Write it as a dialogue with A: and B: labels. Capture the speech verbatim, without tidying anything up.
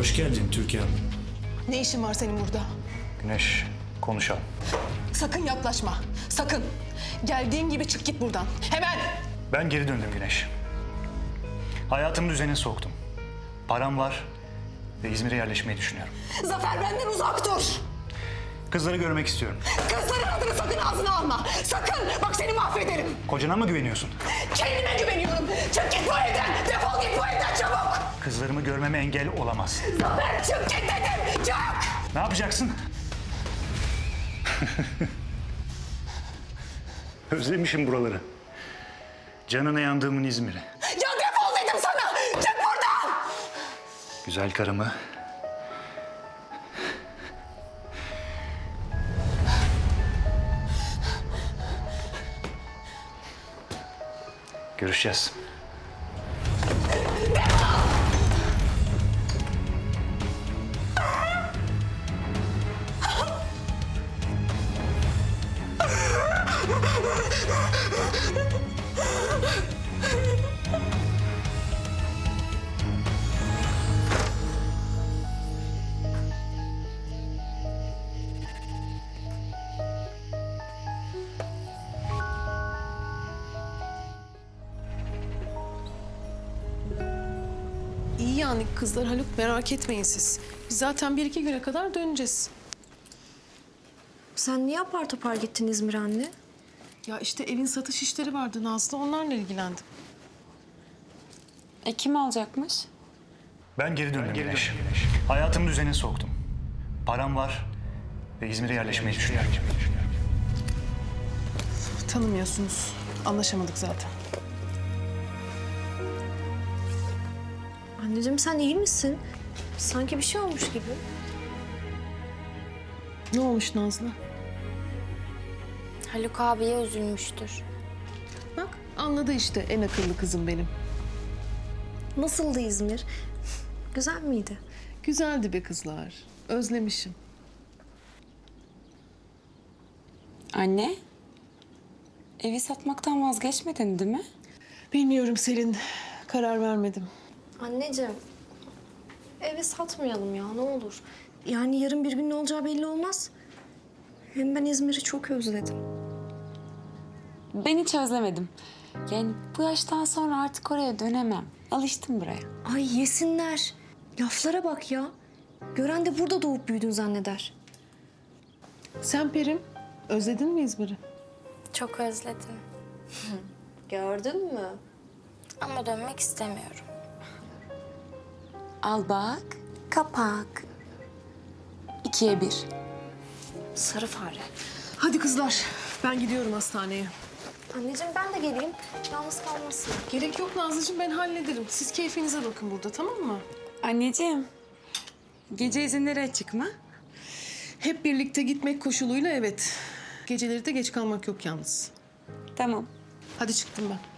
A: Hoş geldin Türkan.
B: Ne işin var senin burada?
A: Güneş, konuşalım.
B: Sakın yaklaşma. Sakın. Geldiğin gibi çık git buradan. Hemen.
A: Ben geri döndüm Güneş. Hayatımı düzene soktum. Param var ve İzmir'e yerleşmeyi düşünüyorum.
B: Zafer benden uzak dur.
A: Kızları görmek istiyorum.
B: Kızların adını sakın ağzına alma. Sakın. Bak seni mahvederim.
A: Kocana mı güveniyorsun?
B: Kendime güveniyorum. Çık git bu evden. Defol git bu evden çabuk.
A: Kızlarımı görmeme engel olamaz.
B: Zafer çık git dedim. Çık.
A: Ne yapacaksın? Özlemişim buraları. Canına yandığımın İzmir'i.
B: Ya defol dedim sana. Çık buradan.
A: Güzel karımı. Görüşeceğiz.
C: İyi yani kızlar Haluk, merak etmeyin siz. Biz zaten bir iki güne kadar döneceğiz.
D: Sen niye apar topar gittin İzmir anne?
C: Ya işte evin satış işleri vardı Nazlı, onlarla ilgilendim.
E: E kim alacakmış?
A: Ben geri döndüm Güneş. Hayatımı düzene soktum. Param var ve İzmir'e yerleşmeyi düşünüyorum.
C: Tanımıyorsunuz, anlaşamadık zaten.
D: Anneciğim sen iyi misin? Sanki bir şey olmuş gibi.
C: Ne olmuş Nazlı?
E: Haluk abiye üzülmüştür.
C: Bak anladı işte en akıllı kızım benim.
D: Nasıldı İzmir? Güzel miydi?
C: Güzeldi be kızlar, özlemişim.
E: Anne, evi satmaktan vazgeçmedin değil mi?
C: Bilmiyorum Selin, karar vermedim.
D: Anneciğim, evi satmayalım ya ne olur. Yani yarın bir gün ne olacağı belli olmaz. Hem ben İzmir'i çok özledim.
E: Ben hiç özlemedim. Yani bu yaştan sonra artık oraya dönemem. Alıştım buraya.
D: Ay yesinler. Laflara bak ya. Gören de burada doğup büyüdün zanneder.
C: Sen Perim, özledin mi İzmir'i?
E: Çok özledim.
D: Gördün mü?
E: Ama dönmek istemiyorum. Al bak, kapak. İkiye bir.
D: Sarı fare.
C: Hadi kızlar, ben gidiyorum hastaneye.
D: Anneciğim ben de geleyim. Yalnız kalmasın.
C: Gerek yok Nazlıcığım, ben hallederim. Siz keyfinize bakın burada, tamam mı?
E: Anneciğim, gece izinleri açık mı?
C: Hep birlikte gitmek koşuluyla evet. Geceleri de geç kalmak yok yalnız.
E: Tamam.
C: Hadi çıktım ben.